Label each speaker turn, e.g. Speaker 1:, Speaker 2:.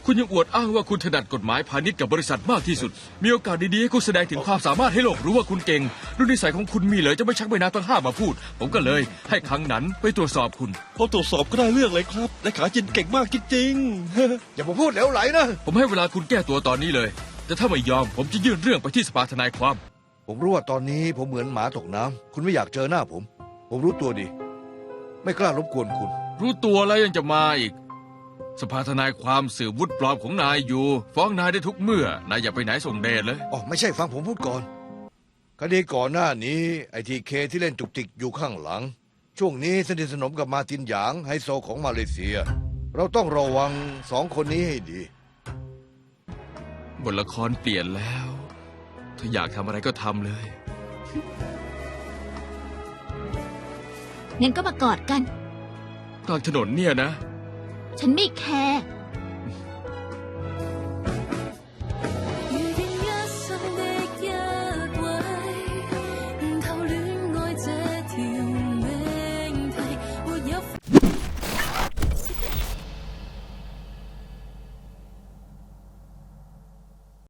Speaker 1: คุณยังอวดอ้างว่าคุณถนัดกฎหมายพาณิชย์กับบริษัทมากที่สุดมีโอกาสดีๆให้คุณแสดงถึงความสามารถให้โลกรู้ว่าคุณเก่งด้วยนิสัยของคุณมีเลยจะไม่ชักใบหน้าตั้งห้ามาพูดผมก็เลยให้ครั้งนั้นไปตรวจสอบคุณ
Speaker 2: พอตรวจสอบก็ได้เรื่องเลยครับเลขาจินเก่งมากจริงๆ
Speaker 3: อย่ามาพูดเหลวไหลนะ
Speaker 1: ผมให้เวลาคุณแก้ตัวตอนนี้เลยแต่ถ้าไม่ยอมผมจะยื่นเรื่องไปที่สภาทนายความ
Speaker 3: ผมรู้ว่าตอนนี้ผมเหมือนหมาตกน้ำคุณไม่อยากเจอหน้าผมรู้ตัวดี ไม่กล้ารบกวนคุณ
Speaker 1: รู้ตัวแล้วยังจะมาอีกสภาทนายความสืบวุฒิปลอมของนายอยู่ฟ้องนายได้ทุกเมื่อนายอย่าไปไหนส่งเดชเลย
Speaker 3: อ๋อไม่ใช่ฟังผมพูดก่อนคดีก่อนหน้านี้ไอทีเคที่เล่นจุกจิกอยู่ข้างหลัง ช่วงนี้สนิทสนมกับมาร์ตินหยางไฮโซของมาเลเซีย เราต้องระวังสองคนนี้ให้ดี
Speaker 1: บทละครเปลี่ยนแล้วถ้าอยากทำอะไรก็ทำเลย
Speaker 4: งั้นก็มากอดกัน
Speaker 1: กลางถนนเนี่ยนะ
Speaker 4: ฉันไม่แคร์